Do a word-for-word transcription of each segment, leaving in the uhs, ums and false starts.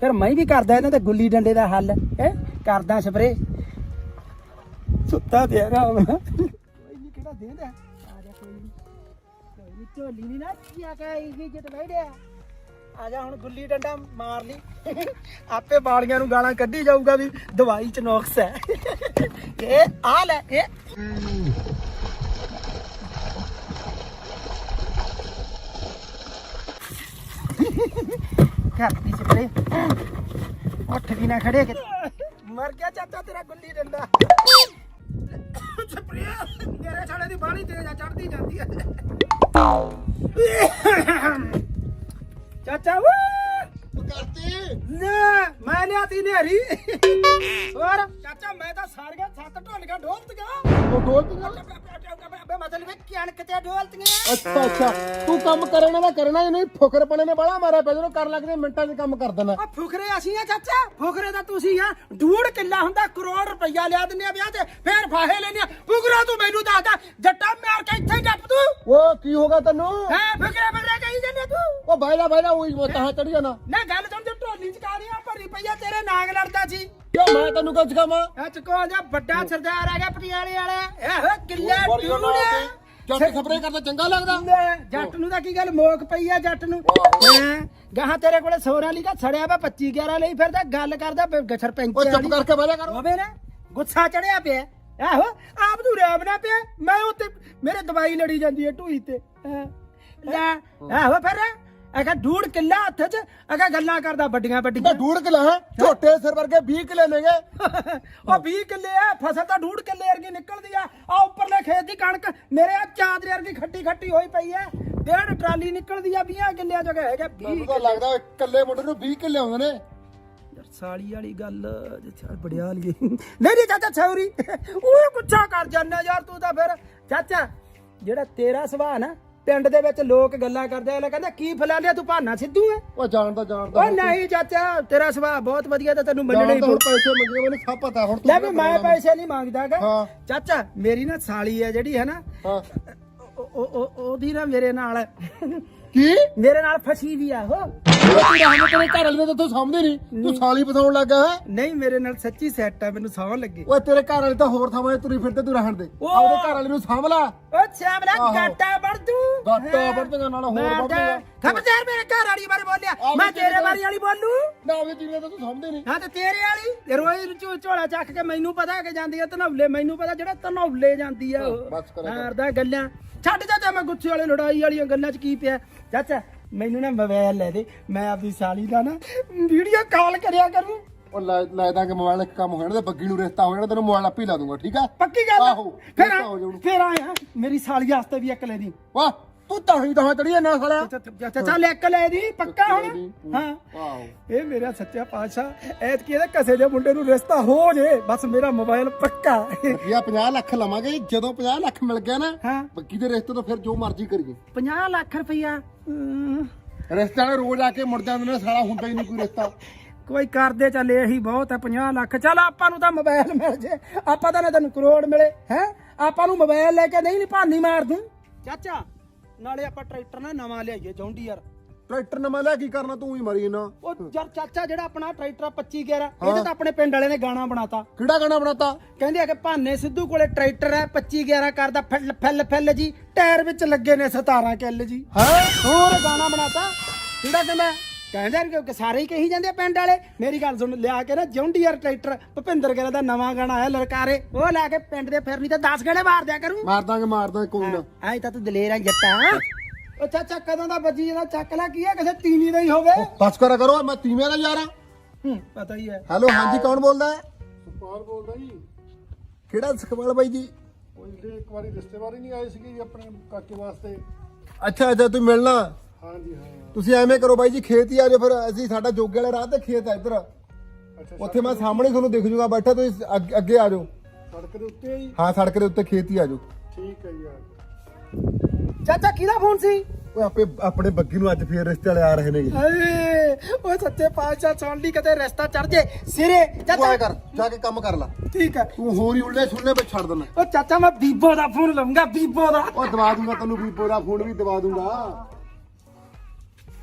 ਫਿਰ ਮੈਂ ਵੀ ਕਰਦਾ ਇਹਨਾਂ ਤੇ ਗੁੱਲੀ ਡੰਡੇ ਦਾ ਹੱਲ ਹੈ ਕਰਦਾ ਸਪਰੇ ਸੁੱਤਾ ਪਿਆ ਰਾਮ ਕੋਈ ਨਹੀਂ ਕਿਹੜਾ ਦੇਂਦਾ ਆ ਜਾ ਕੋਈ ਨਹੀਂ ਕੋਈ ਨਹੀਂ ਝੋਲੀ ਨਹੀਂ ਨਾ ਕੀਆ ਕਹੀ ਜਿੱਤ ਬੈਠਿਆ ਆ ਜਾ ਹੁਣ ਗੁੱਲੀ ਡੰਡਾ ਮਾਰ ਲਈ ਆਪੇ ਬਾਲੀਆਂ ਨੂੰ ਗਾਲਾਂ ਕੱਢੀ ਜਾਊਗਾ ਵੀ ਦਵਾਈ ਚ ਨੁਕਸ ਹੈ ਇਹ ਆ ਲੈ ਇਹ ਕਰਤੀ ਸਪਰੇ ਉੱਠ ਵੀ ਨਾ ਖੜੇ ਕਿ ਮਰ ਗਿਆ ਚਾਚਾ ਤੇਰਾ ਗੁੱਲੀ ਡੰਡਾ ਸਪਰੇ ਮੇਰੇ ਛਾਲੇ ਦੀ ਬਾਣੀ ਤੇਜ਼ ਆ ਚੜਦੀ ਜਾਂਦੀ ਹੈ ਚਾਚਾ ਵੂ ਕਰਤੀ ਨਾ ਮੈਂ ਲਿਆਤੀ ਨੇਰੀ ਹੋਰ ਚਾਚਾ ਮੈਂ ਤਾਂ ਸਾਰੀਆਂ ਸੱਤ ਢੋਲੀਆਂ ਢੋਲਤੀਆਂ ਉਹ ਢੋਲਤੀਆਂ ਬੇ ਮਤਲਬ ਕਣਕ ਤੇ ਢੋਲਤੀਆਂ ਅੱਛਾ ਅੱਛਾ ਤੂੰ ਕੰਮ ਕਰਨਾ ਦਾ ਕਰਨਾ ਹੀ ਨਹੀਂ ਫੁਕਰਪਣੇ ਨੇ ਬੜਾ ਮਾਰਿਆ ਪਿਆ ਜਦੋਂ ਕਰ ਲੱਗਦੇ ਮਿੰਟਾਂ 'ਚ ਕੰਮ ਕਰ ਦੇਣਾ ਆ ਫੁਕਰੇ ਅਸੀਂ ਆ ਚਾਚਾ ਫੁਕਰੇ ਤਾਂ ਤੁਸੀਂ ਆ ਡੂੜ ਕਿੱਲਾ ਹੁੰਦਾ ਕਰੋੜ ਰੁਪਈਆ ਲਿਆ ਦਿੰਦੇ ਆ ਵਿਆਹ ਤੇ ਫੇਰ ਫਾਹੇ ਲੈਨੇ ਆ ਫੁਕਰਾ ਤੂੰ ਮੈਨੂੰ ਦੱਸਦਾ ਜੱਟਾ ਮਾਰ ਕੇ ਇੱਥੇ ਡੱਪ ਤੂੰ ਉਹ ਕੀ ਹੋਗਾ ਤੈਨੂੰ ਹੈ ਫੁਕਰੇ ਫੁਕਰੇ ਕਹੀ ਜਾਂਦੇ ਤੂੰ ਉਹ ਬਾਇਲਾ ਬਾਇਲਾ ਉਹੀ ਮਤਾਂ ਚੜ ਜਾਣਾ ਨਾ ਗੱਲ ਸੁਣ ਤੇ ਢੋਲੀ ਚ ਕਾਰੀਆਂ ਭਰੀ ਪਈਆ ਤੇਰੇ ਨਾਗ ਲੜਦਾ ਸੀ ਕਿਉਂ ਮੈਂ ਤੈਨੂੰ ਕੁਝ ਕਹਾਂ ਇਹ ਚਕੋ ਜਾ ਵੱਡਾ ਸਰਦਾਰ ਆ ਗਿਆ ਪਟਿਆਲੇ ਵਾਲਾ ਇਹੋ ਕਿੱਲਾ ਡੂੜ ਜੱਟ ਖਬਰੇ ਕਰਦਾ ਚੰਗਾ ਲੱਗਦਾ ਜੱਟ ਨੂੰ ਤਾਂ ਕੀ ਗੱਲ ਮੋਕ ਪਈ ਆ ਜੱਟ ਨੂੰ ਹੈਂ ਗਾਹਾਂ ਤੇਰੇ ਕੋਲੇ ਸੋਨਾ ਲਿਖਾ ਛੜਿਆ ਵਾ ਪੱਚੀ ਗਿਆਰਾਂ ਲਈ ਫਿਰਦਾ ਗੱਲ ਕਰਦਾ ਸਰਪੰਚ ਉਹ ਚੁੱਪ ਕਰਕੇ ਬਹਿ ਜਾ ਕਰ ਹੋਵੇ ਨਾ ਗੁੱਸਾ ਚੜਿਆ ਪਿਆ ਆਹੋ ਆਪ ਨੂੰ ਰੈਬ ਨਾ ਪਿਆ ਮੈਂ ਉੱਤੇ ਮੇਰੇ ਦਵਾਈ ਲੜੀ ਜਾਂਦੀ ਹੈ ਢੂਈ ਤੇ ਲੈ ਆਹੋ ਫਿਰ ਅਗਾ ਡੂੜ ਕਿੱਲਾ ਹੱਥ 'ਚ ਅਗਾ ਗੱਲਾਂ ਕਰਦਾ ਵੱਡੀਆਂ ਵੱਡੀਆਂ ਡੂੜ ਕਿਲਾ ਹੈ ਝੋਟੇ ਸਿਰ ਵਰਗੇ ਵੀਹ ਕਿਲੇ ਨੇਗੇ ਉਹ ਵੀਹ ਕਿੱਲੇ ਆ ਫਸਲ ਤਾਂ ਡੂੜ ਕਿੱਲੇ ਵਰਗੀ ਨਿਕਲਦੀ ਆ ਆ ਉੱਪਰਲੇ ਖੇਤ ਦੀ ਕਣਕ ਮੇਰੇ ਆ ਚਾਦਰੇ ਵਰਗੀ ਖੱਟੀ ਖੱਟੀ ਹੋਈ ਪਈ ਐ ਡੇਢ ਟਰਾਲੀ ਨਿਕਲਦੀ ਆ ਵੀਹ ਕਿੱਲਿਆਂ ਜਗ੍ਹਾ ਹੈਗਾ ਮੈਨੂੰ ਤਾਂ ਲੱਗਦਾ ਇਕੱਲੇ ਮੁੰਡੇ ਨੂੰ ਵੀਹ ਕਿੱਲੇ ਆਉਂਦੇ ਨੇ ਸਾਲੀ ਵਾਲੀ ਗੱਲ ਜਿੱਥੇ ਬੜਿਆ ਲਈ ਨਹੀਂ ਨਹੀਂ ਚਾਚਾ ਛੌਰੀ ਉਹ ਗੁੱਸਾ ਕਰ ਜਾਂਦਾ ਯਾਰ ਤੂੰ ਤਾਂ ਫਿਰ ਚਾਚਾ ਜਿਹੜਾ ਤੇਰਾ ਸੁਭਾਅ ਨਾ ਪਿੰਡ ਦੇ ਵਿੱਚ ਲੋਕ ਗੱਲਾਂ ਕਰਦੇ ਆ ਕਹਿੰਦਾ ਕੀ ਫਲਾ ਲਿਆ ਤੂੰ ਭਾਨਾ ਸਿੱਧੂ ਹੈ ਉਹ ਜਾਣਦਾ ਜਾਣਦਾ ਉਹ ਨਹੀਂ ਚਾਚਾ ਤੇਰਾ ਸੁਭਾਅ ਬਹੁਤ ਵਧੀਆ ਤੇ ਤੈਨੂੰ ਮੰਨਣਾ ਹੀ ਹੁਣ ਪੈਸੇ ਮੰਗੇ ਮੈਨੂੰ ਸਭ ਪਤਾ ਹੁਣ ਲੈ ਵੀ ਮੈਂ ਪੈਸੇ ਨਹੀਂ ਮੰਗਦਾਗਾ ਹਾਂ ਚਾਚਾ ਮੇਰੀ ਨਾ ਸਾਲੀ ਹੈ ਜਿਹੜੀ ਹੈ ਨਾ ਹਾਂ ਉਹ ਉਹ ਉਹਦੀ ਨਾ ਮੇਰੇ ਨਾਲ ਕੀ ਮੇਰੇ ਨਾਲ ਫਸੀ ਵੀ ਆ ਉਹ ਤੇਰੇ ਘਰ ਵਾਲੇ ਨੇ ਤਾਂ ਸਮਝਦੇ ਨਹੀਂ ਤੂੰ ਸਾਲੀ ਬਤਾਉਣ ਲੱਗਾ ਹੈ ਨਹੀਂ ਮੇਰੇ ਨਾਲ ਸੱਚੀ ਸੈੱਟ ਹੈ ਮੈਨੂੰ ਸੌਂ ਲੱਗੇ ਓਏ ਤੇਰੇ ਘਰ ਵਾਲੇ ਤਾਂ ਹੋਰ ਥਾਵਾਂ 'ਤੇ ਤੁਰੀ ਫਿਰਦੇ ਤੂੰ ਰਹਿਣ ਦੇ ਆਪਦੇ ਘਰ ਵਾਲੇ ਨੂੰ ਸਾਂਭ ਲਾ ਓ ਛਾਮਲਾ ਗਾਟਾ ਵੜ ਤੂੰ ਗਾਟਾ ਵੜਦੇਗਾ ਨਾਲ ਹੋਰ ਵੜਦੇਗਾ ਖਬਰਦਾਰ ਮੇਰੇ ਘਰ ਵਾਲੀ ਬਾਰੇ ਬੋਲਿਆ ਮੈਂ ਤੇਰੇ ਬਾਰੇ ਵਾਲੀ ਬੋਲੂ ਨਾ ਉਹਦੇ ਜੀਵਨ ਤਾਂ ਤੂੰ ਸਮਝਦੇ ਨਹੀਂ ਹਾਂ ਤੇ ਤੇਰੇ ਵਾਲੀ ਰੋਜ਼ ਝੋਲਾ ਚੱਕ ਕੇ ਮੈਨੂੰ ਪਤਾ ਕਿ ਜਾਂਦੀ ਆ ਧਨੌਲੇ ਮੈਨੂੰ ਪਤਾ ਜਿਹੜਾ ਧਨੌਲੇ ਜਾਂਦੀ ਆ ਉਹ ਮਾਰਦਾ ਗੱਲਾਂ ਛੱਡ ਚਾਚਾ ਮੈਂ ਗੁੱਸੇ ਵਾਲੇ ਲੜਾਈ ਵਾਲੀਆਂ ਗੱਲਾਂ 'ਚ ਕੀ ਪਿਆ ਚਾਚਾ ਮੈਨੂੰ ਨਾ ਮੋਬਾਈਲ ਲੈ ਦੇ ਮੈਂ ਆਪਣੀ ਸਾਲੀ ਦਾ ਨਾ ਵੀਡੀਓ ਕਾਲ ਕਰਿਆ ਕਰੂੰ ਉਹ ਲੈ ਦਾਂਗੇ ਮੋਬਾਈਲ ਇੱਕ ਕੰਮ ਹੋ ਜਾਣਾ ਤੇ ਬੱਗੀ ਨੂੰ ਰਿਸ਼ਤਾ ਹੋ ਜਾਣਾ ਤੈਨੂੰ ਮੋਬਾਈਲ ਆਪੇ ਲਾ ਦੂੰਗਾ ਠੀਕ ਆ ਪੱਕੀ ਗੱਲ ਆਹੋ ਫਿਰ ਫਿਰ ਆਇਆ ਮੇਰੀ ਸਾਲੀ ਵਾਸਤੇ ਵੀ ਇੱਕ ਲੈ ਦੀ ਵਾਹ ਤੂੰ ਤਾਂ ਹੀ ਤਾਂ ਚੜੀ ਨਾ ਸਾਲਿਆ ਚਾਚਾ ਲੈ ਇੱਕ ਲੈ ਦੀ ਪੱਕਾ ਹੁਣ ਹਾਂ ਆਹੋ ਇਹ ਮੇਰਾ ਸੱਚਾ ਪਾਤਸ਼ਾਹ ਐਤ ਕੀ ਇਹਦੇ ਕਸੇ ਦੇ ਮੁੰਡੇ ਨੂੰ ਰਿਸ਼ਤਾ ਹੋ ਜੇ ਬਸ ਮੇਰਾ ਮੋਬਾਈਲ ਪੱਕਾ ਇਹ ਪੰਜਾਹ ਲੱਖ ਲਵਾਂਗੇ ਜਦੋਂ ਪੰਜਾਹ ਲੱਖ ਮਿਲ ਗਿਆ ਨਾ ਹਾਂ ਬੱਗੀ ਦੇ ਰਿਸ਼ਤੇ ਤੋਂ ਫਿਰ ਜੋ ਮਰਜ਼ੀ ਕਰੀਏ ਪੰਜਾਹ ਲੱਖ ਰੁਪਈਆ ਰਿਸ਼ਤੇ ਵਾਲੇ ਰੋਜ਼ ਆ ਕੇ ਮੁੜ ਜਾਂਦੇ ਨੇ ਸਾਲਾ ਹੁੰਦਾ ਹੀ ਨਹੀਂ ਕੋਈ ਰਿਸ਼ਤਾ ਕੋਈ ਕਰਦੇ ਚੱਲੇ ਇਹੀ ਬਹੁਤ ਹੈ ਪੰਜਾਹ ਲੱਖ ਚੱਲ ਆਪਾਂ ਨੂੰ ਤਾਂ ਮੋਬਾਈਲ ਮਿਲ ਜੇ ਆਪਾਂ ਤਾਂ ਨਾ ਤੈਨੂੰ ਕਰੋੜ ਮਿਲੇ ਹੈ ਆਪਾਂ ਨੂੰ ਮੋਬਾਈਲ ਲੈ ਕੇ ਨਹੀਂ ਨਹੀਂ ਭਾਨੀ ਮਾਰ ਦੂੰ ਚਾਚਾ ਨਾਲੇ ਆਪਾਂ ਟਰੈਕਟਰ ਨਾ ਨਵਾਂ ਲਿਆਈਏ ਜੌਂਡੀ ਯਾਰ ਟਰੈਕਟਰ ਨਵਾਂ ਲੈ ਕੀ ਕਰਨਾ ਤੂੰ ਹੀ ਮਰੀ ਨਾ ਉਹ ਯਾਰ ਚਾਚਾ ਜਿਹੜਾ ਆਪਣਾ ਟਰੈਕਟਰ ਪੱਚੀ ਗਿਆਰਾਂ ਇਹਦੇ ਤਾਂ ਆਪਣੇ ਪਿੰਡ ਵਾਲੇ ਨੇ ਗਾਣਾ ਬਣਾਤਾ ਕਿਹੜਾ ਗਾਣਾ ਬਣਾਤਾ ਕਹਿੰਦੇ ਆ ਕਿ ਭਾਨੇ ਸਿੱਧੂ ਕੋਲੇ ਟਰੈਕਟਰ ਹੈ ਪੱਚੀ ਗਿਆਰਾਂ ਕਰਦਾ ਫਿੱਲ ਫਿੱਲ ਫਿੱਲ ਜੀ ਟਾਇਰ ਵਿੱਚ ਲੱਗੇ ਨੇ ਸਤਾਰਾਂ ਕਿੱਲ ਜੀ ਹੈ ਹੋਰ ਗਾਣਾ ਬਣਾਤਾ ਕਿਹੜਾ ਕਹਿੰਦਾ ਕਹਿੰਦੇ ਕਿ ਸਾਰੇ ਹੀ ਕਹੀ ਜਾਂਦੇ ਪਿੰਡ ਵਾਲੇ ਮੇਰੀ ਗੱਲ ਸੁਣ ਲਿਆ ਕੇ ਨਾ ਜੌਂਡੀਅਰ ਟਰੈਕਟਰ ਭੁਪਿੰਦਰ ਗਿੱਲ ਦਾ ਨਵਾਂ ਗਾਣਾ ਆਇਆ ਲਲਕਾਰੇ ਉਹ ਲੈ ਕੇ ਪਿੰਡ ਦੇ ਫਿਰਨੀ ਤੇ ਦਸ ਗੇੜੇ ਮਾਰ ਦਿਆ ਕਰੂੰ ਮਾਰ ਦਾਂਗੇ ਮਾਰ ਦਾਂਗੇ ਕੋਈ ਨਾ ਐ ਤਾਂ ਤੂੰ ਦਲੇਰ ਆ ਜੱਟਾ ਉਹ ਚਾਚਾ ਕਦੋਂ ਦਾ ਬੱਜੀ ਇਹਦਾ ਚੱਕ ਲੈ ਕੀ ਹੈ ਕਿਸੇ ਤੀਵੀਂ ਦਾ ਹੀ ਹੋਵੇ ਬਸ ਕਰਾ ਕਰੋ ਮੈਂ ਤੀਵੇਂ ਦਾ ਯਾਰ ਹੂੰ ਪਤਾ ਹੀ ਹੈ ਹੈਲੋ ਹਾਂਜੀ ਕੌਣ ਬੋਲਦਾ ਹੈ ਸੁਖਪਾਲ ਬੋਲਦਾ ਜੀ ਕਿਹੜਾ ਸੁਖਪਾਲ ਬਾਈ ਜੀ ਉਹ ਜਿਹੜੇ ਇੱਕ ਵਾਰੀ ਰਿਸ਼ਤੇਦਾਰੀ ਨਹੀਂ ਆਏ ਸੀਗੇ ਜੀ ਆਪਣੇ ਕਾਕੇ ਵਾਸਤੇ ਅੱਛਾ ਅੱਛਾ ਤੁਸੀਂ ਮਿਲਣਾ ਹਾਂਜੀ ਹਾਂ ਤੁਸੀਂ ਐਵੇਂ ਕਰੋ ਬਾਈ ਜੀ ਖੇਤ ਹੀ ਆ ਜਾਓ ਫਿਰ ਅਸੀਂ ਸਾਡਾ ਜੋਗੇ ਵਾਲੇ ਰਾਹ ਤੇ ਖੇਤ ਆ ਇੱਧਰ ਅੱਛਾ ਉੱਥੇ ਮੈਂ ਸਾਹਮਣੇ ਤੁਹਾਨੂੰ ਦਿਖ ਜੂਗਾ ਬੈਠਾ ਤੁਸੀਂ ਅੱਗੇ- ਅੱਗੇ ਆ ਜਾਓ ਸੜਕ ਦੇ ਉੱਤੇ ਜੀ ਹਾਂ ਸੜਕ ਦੇ ਉੱਤੇ ਖੇਤ ਹੀ ਆ ਜਾਓ ਠੀਕ ਹੈ ਜੀ ਆ ਚਾਚਾ ਕਿਹਦਾ ਫੋਨ ਸੀ ਓਏ ਆਪੇ ਆਪਣੇ ਬੱਗੀ ਨੂੰ ਅੱਜ ਫੇਰ ਰਿਸ਼ਤੇ ਵਾਲੇ ਆ ਰਹੇ ਨੇ ਏ ਓਏ ਸੱਚੇ ਪਾਤਸ਼ਾਹ ਸੁਣ ਲਈ ਕਿਤੇ ਰਸਤਾ ਚੜ ਜੇ ਸਿਰੇ ਤੂੰ ਚਾਚਾ ਆਇਆ ਕਰ ਜਾ ਕੇ ਕੰਮ ਕਰ ਲੈ ਠੀਕ ਹੈ ਤੂੰ ਹੋਰ ਹੀ ਉਲਟੇ ਸੁਣਨੇ ਵਿੱਚ ਛੱਡ ਦੇਣਾ ਉਹ ਚਾਚਾ ਮੈਂ ਬੀਬੋ ਦਾ ਫੋਨ ਲਵਾਂਗਾ ਬੀਬੋ ਦਾ ਉਹ ਦਵਾ ਦੂੰਗਾ ਤੈਨੂੰ ਵੀਪੋ ਦਾ ਫੋਨ ਵੀ ਦਵਾ ਦੂੰਗਾ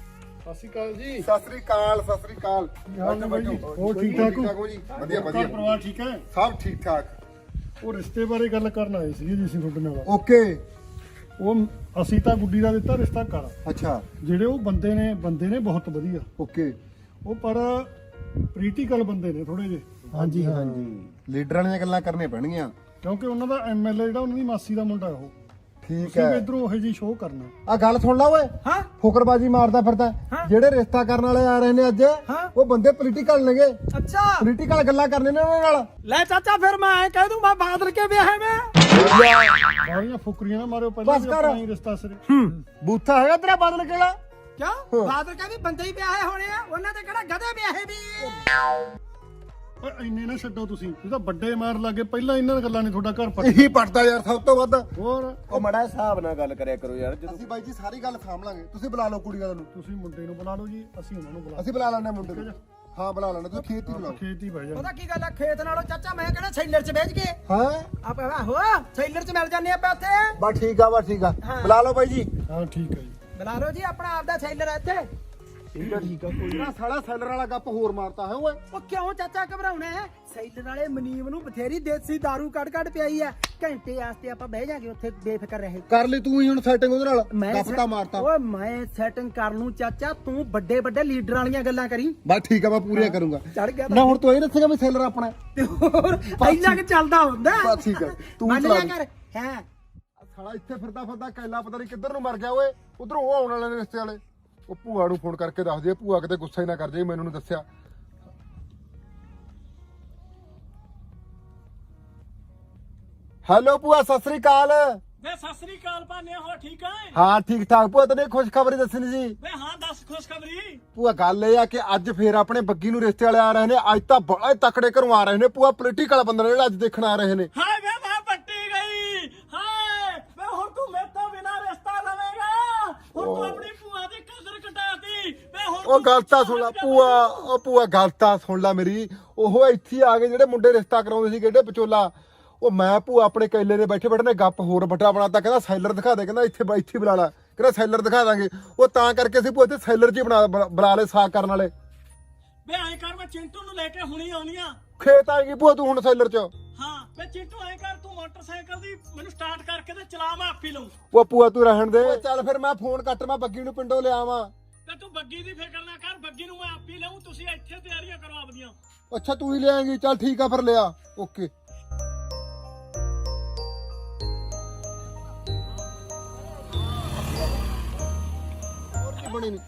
ਸਤਿ ਸ਼੍ਰੀ ਅਕਾਲ ਜੀ। ਸਤਿ ਸ੍ਰੀ ਅਕਾਲ ਸਤਿ ਸ੍ਰੀ ਅਕਾਲ। ਹਾਲ ਨੇ ਬਾਈ ਜੀ? ਹੋਰ ਠੀਕ ਠਾਕ ਹੋ? ਹੋ ਜੀ? ਵਧੀਆ ਘਰ ਵਧੀਆ ਪਰਿਵਾਰ ਠੀਕ ਹੈ? ਸਭ ਠੀਕ ਠਾਕ। ਉਹ ਰਿਸ਼ਤੇ ਬਾਰੇ ਗੱਲ ਕਰਨ ਆਏ ਸੀ ਜੀ ਅਸੀਂ ਤੁਹਾਡੇ ਨਾਲ। ਓਕੇ। ਉਹ ਅਸੀਂ ਤਾਂ ਗੁੱਡੀ ਦਾ ਦਿੱਤਾ ਰਿਸ਼ਤਾ ਕਰ। ਅੱਛਾ। ਜਿਹੜੇ ਉਹ ਬੰਦੇ ਨੇ ਬੰਦੇ ਨੇ ਬਹੁਤ ਵਧੀਆ। ਓਕੇ। ਉਹ ਪਰ ਪੋਲੀਟੀਕਲ ਬੰਦੇ ਨੇ ਥੋੜੇ ਜਿਹੇ, ਹਾਂਜੀ ਹਾਂਜੀ ਲੀਡਰਾਂ ਦੀਆਂ ਗੱਲਾਂ ਕਰਨੀਆਂ ਪੈਣਗੀਆਂ ਕਿਉਂਕਿ ਉਹਨਾਂ ਦਾ ਐਮਐਲਏ ਜਿਹੜਾ ਉਹਨਾਂ ਦੀ ਮਾਸੀ ਦਾ ਮੁੰਡਾ ਉਹ। ਠੀਕ ਤੁਸੀਂ ਵੀ ਹੈ। ਇਧਰੋਂ ਉਹੋ ਜੀ ਸ਼ੋਅ ਕਰਨਾ। ਆ ਗੱਲ ਸੁਣ ਲਾ ਓਏ। ਹਾਂ ਫੁਕਰਬਾਜੀ ਮਾਰਦਾ ਫਿਰਦਾ। ਹਾਂ। ਜਿਹੜੇ ਰਿਸ਼ਤਾ ਕਰਨ ਵਾਲੇ ਆ ਰਹੇ ਨੇ ਅੱਜ ਹਾਂ। ਉਹ ਬੰਦੇ ਪੋਲੀਟੀਕਲ ਨੇਗੇ। ਅੱਛਾ ਪੋਲੀਟੀਕਲ ਗੱਲਾਂ ਕਰਨੇ ਨੇ ਉਹਨਾਂ ਨਾਲ। ਲੈ ਚਾਚਾ ਫਿਰ ਮੈਂ ਐ ਕਹਿ ਦੂੰ ਮੈਂ ਬਾਦਲ ਕੇ ਵਿਆਹ ਮੈਂ ਸਾਰੀਆਂ ਫੁਕਰੀਆਂ ਨਾ ਮਾਰਿਓ, ਪਹਿਲਾਂ ਬਸ ਵੀ ਕਰ। ਆਪਣਾ ਹੀ ਰਿਸ਼ਤਾ ਸਿਰੇ। ਬੂਥਾ ਹੈਗਾ ਤੇਰਾ ਬਦਲ ਕਿਹੜਾ? ਕਿਉਂ ਬਾਦਲ ਕੇ ਵੀ ਬੰਦੇ ਹੀ ਵਿਆਹੇ ਹੋਣੇ ਆ, ਉਹਨਾਂ ਦੇ ਕਿਹੜਾ ਗਧੇ ਵਿਆਹੇ ਵੀ। ਓਏ ਇੰਨੇ ਨਾ ਛੱਡੋ ਤੁਸੀਂ, ਤੁਸੀਂ ਤਾਂ ਵੱਡੇ ਮਾਰ ਲੱਗੇ। ਪਹਿਲਾਂ ਇਹਨਾਂ ਗੱਲਾਂ ਨੇ ਤੁਹਾਡਾ ਘਰ ਪਟ। ਇਹੀ ਪੜਦਾ ਯਾਰ ਸਭ ਤੋਂ ਵੱਧ। ਹੋਰ ਉਹ ਮੜਾ ਹਿਸਾਬ ਨਾਲ ਗੱਲ ਕਰਿਆ ਕਰੋ ਯਾਰ। ਅਸੀਂ ਬਾਈ ਜੀ ਸਾਰੀ ਗੱਲ ਸਾਂਭ ਲਾਂਗੇ। ਤੁਸੀਂ ਬੁਲਾ ਲਓ ਕੁੜੀਆਂ ਨੂੰ। ਤੁਸੀਂ ਮੁੰਡੇ ਨੂੰ ਬੁਲਾ ਲਓ ਜੀ, ਅਸੀਂ ਉਹਨਾਂ ਨੂੰ ਬੁਲਾ ਅਸੀਂ ਬੁਲਾ ਲੈਣੇ ਮੁੰਡੇ ਨੂੰ। ਹਾਂ ਬੁਲਾ ਲੈਣੇ। ਤੁਸੀਂ ਖੇਤ ਹੀ ਬੁਲਾਓ। ਖੇਤ ਹੀ ਬਹਿ ਜਾ। ਉਹਦਾ ਕੀ ਗੱਲ ਆ ਖੇਤ ਨਾਲੋਂ ਚਾਚਾ ਮੈਂ ਕਹਿੰਦਾ ਸੈਲਰ ਚ ਵੇਚ ਕੇ ਹਾਂ ਆਪਾਂ ਆਹੋ ਸੈਲਰ ਚ ਮਿਲ ਜਾਂਦੇ ਆਪਾਂ ਉੱਥੇ। ਬਸ ਠੀਕ ਆ ਬਸ ਠੀਕ ਆ। ਹਾਂ। ਬੁਲਾ ਲਓ ਬਾਈ ਜੀ। ਹਾਂ ਠੀਕ ਹੈ ਜੀ। ਬੁਲਾ ਲਓ ਜੀ ਆਪਣਾ ਆਪਦਾ ਸੈਲਰ ਆ ਇੱਥੇ। ਠੀਕ ਆ ਠੀਕ ਆ। ਕੋਈ ਨਾ ਸਾਲਾ ਸੈਲਰ ਵਾਲਾ ਗੱਪ ਹੋਰ ਮਾਰਤਾ ਹੈ ਓਏ। ਉਹ ਕਿਉਂ ਚਾਚਾ ਘਬਰਾਉਣਾ ਹੈ? ਸੈਲਰ ਵਾਲੇ ਮਨੀਮ ਨੂੰ ਬਥੇਰੀ ਦੇਸੀ ਦਾਰੂ ਕੱਢ ਕੱਢ ਪਿਆਈ ਆ। ਘੰਟੇ ਵਾਸਤੇ ਆਪਾਂ ਬਹਿ ਜਾਗੇ ਉੱਥੇ ਬੇਫਿਕਰ ਰਹੇ। ਕਰ ਲਈ ਤੂੰ ਹੀ ਹੁਣ ਸੈਟਿੰਗ ਉਹਦੇ ਨਾਲ। ਮੈਂ ਗੱਪ ਤਾਂ ਮਾਰਤਾ। ਓਏ ਮੈਂ ਸੈਟਿੰਗ ਕਰ ਲੂੰ ਚਾਚਾ, ਤੂੰ ਵੱਡੇ ਵੱਡੇ ਲੀਡਰਾਂ ਵਾਲੀਆਂ ਗੱਲਾਂ ਕਰੀ। ਬਸ ਠੀਕ ਆ ਮੈਂ ਪੂਰੀਆਂ ਕਰੂੰਗਾ। ਚੜ ਗਿਆ ਨਾ ਹੁਣ ਤੂੰ ਇਹ ਦੱਸੇਗਾ ਵੀ ਸੈਲਰ ਆਪਣਾ ਹੈ। ਤੇ ਹੋਰ ਇੰਨਾ ਕਿ ਚੱਲਦਾ ਹੁੰਦਾ। ਬਸ ਠੀਕ ਆ। ਤੂੰ ਮੰਨ ਚਲਾ ਲਿਆ ਦੇ। ਕਰ ਹੈ। ਸਾਲਾ ਇੱਥੇ ਫਿਰਦਾ ਫਿਰਦਾ ਕੈਲਾ ਪਤਾ ਨਹੀਂ ਕਿੱਧਰ ਨੂੰ ਮਰ ਗਿਆ ਓਏ। ਉਧਰੋਂ ਉਹ ਆਉਣ ਵਾਲੇ ਨੇ ਰਿਸ਼ਤੇ ਵਾਲੇ। ਉਹ ਭੂਆ ਨੂੰ ਫੋਨ ਕਰਕੇ ਦੱਸ ਦੇ। ਭੂਆ ਕਿਤੇ ਗੁੱਸਾ ਹੀ ਨਾ ਕਰ ਜਾਏ ਮੈਨੂੰ ਨਹੀਂ ਦੱਸਿਆ। ਹੈਲੋ ਭੂਆ ਸਤਿ ਸ੍ਰੀ ਅਕਾਲ। ਵੇ ਸਤਿ ਸ੍ਰੀ ਅਕਾਲ ਭਾਨੇ, ਹੋ ਠੀਕ ਹੈ? ਹਾਂ ਠੀਕ ਠਾਕ। ਭੂਆ ਤੈਨੂੰ ਖੁਸ਼ਖਬਰੀ ਦੱਸਣੀ ਸੀ। ਵੇ ਹਾਂ ਦੱਸ ਖੁਸ਼ਖਬਰੀ। ਭੂਆ ਗੱਲ ਇਹ ਆ ਕਿ ਅੱਜ ਫੇਰ ਆਪਣੇ ਬੱਗੀ ਨੂੰ ਰਿਸ਼ਤੇ ਵਾਲੇ ਆ ਰਹੇ ਨੇ। ਅੱਜ ਤਾਂ ਬੜਾ ਤਕੜੇ ਘਰੋਂ ਆ ਰਹੇ ਨੇ। ਭੂਆ ਪੋਲੀਟੀਕਲ ਬੰਦੇ ਨੇ ਜਿਹੜੇ ਅੱਜ ਦੇਖਣ ਆ ਰਹੇ ਨੇ। ਹਾਏ ਵੇ ਮੈਂ ਪੱਟੀ ਗਈ। ਹਾਏ ਵੇ ਹੁਣ ਤੂੰ ਮੇਰੇ ਤੋਂ ਬਿਨਾ ਰਿਸ਼ਤਾ ਲਵੇਂਗਾ। ਹੁਣ ਤੂੰ ਆਪਣੀ ਭੂਆ ਦੀ ਕਦਰ ਘਟਾਤੀ। ਵੇ ਹੁਣ ਉਹ ਗੱਲ ਤਾਂ ਸੁਣ ਲੈ ਭੂਆ। ਉਹ ਭੂਆ ਗੱਲ ਤਾਂ ਸੁਣ ਲੈ ਮੇਰੀ। ਉਹ ਇੱਥੇ ਆ ਗਏ ਜਿਹੜੇ ਮੁੰਡੇ ਰਿਸ਼ਤਾ ਕਰਾਉਂਦੇ ਸੀ ਕਿਹੜੇ ਵਿਚੋਲਾ। ਉਹ ਮੈਂ ਭੂਆ ਆਪਣੇ ਕੈਲੇ ਦੇ ਬੈਠੇ ਬੈਠੇ ਨੇ ਗੱਪ ਹੋਰ ਵੱਡਾ ਬਣਾਤਾ। ਕਹਿੰਦਾ ਸੈਲਰ ਦਿਖਾ ਦੇ। ਕਹਿੰਦਾ ਇੱਥੇ ਇੱਥੇ ਬੁਲਾ ਲਾ। ਕਹਿੰਦਾ ਸੈਲਰ ਦਿਖਾ ਦਾਂਗੇ। ਉਹ ਤਾਂ ਕਰਕੇ ਅਸੀਂ ਭੂਆ ਇੱਥੇ ਸੈਲਰ 'ਚ ਹੀ ਬਣਾ ਬੁਲਾ ਲਏ ਸਾਕ ਕਰਨ ਵਾਲੇ। ਵੇ ਐਂ ਕਰ, ਮੈਂ ਚਿੰਟੂ ਨੂੰ ਲੈ ਕੇ ਹੁਣੀ ਆਉਣੀ ਆ। ਖੇਤ ਆਏਗੀ ਭੂਆ ਤੂੰ ਹੁਣ ਸੈਲਰ 'ਚ। ਹਾਂ ਵੇ ਚਿੰਟੂ ਐਂ ਕਰ, ਤੂੰ ਮੋਟਰਸਾਈਕਲ ਦੀ ਮੈਨੂੰ ਸਟਾਰਟ ਕਰਕੇ ਤੇ ਚਲਾ, ਮੈਂ ਆਪੀ ਲਊਂ। ਉਹ ਭੂਆ ਤੂੰ ਰਹਿਣ ਦੇ। ਚੱਲ ਫਿਰ ਮੈਂ ਫੋਨ ਕੱਟ ਮੈਂ ਬੱਗੀ ਨੂੰ ਪਿੰਡੋਂ ਲਿਆਵਾਂ। ਤੇ ਤੂੰ ਬੱਗੀ ਦੀ ਫਿਕਰ ਨਾ ਕਰ, ਬੱਗੀ ਨੂੰ ਮੈਂ ਆਪੀ ਲਊਂ। ਤੁਸੀਂ ਇੱਥੇ ਤਿਆਰੀਆਂ ਕਰੋ ਆਪਦੀਆਂ। ਅੱਛਾ ਤੂੰ ਹੀ ਲਿਆਏਂਗੀ। ਚੱਲ ਠੀਕ ਆ ਫਿਰ ਲਿਆ। ਓਕੇ। ਬਣੀ ਨੀ।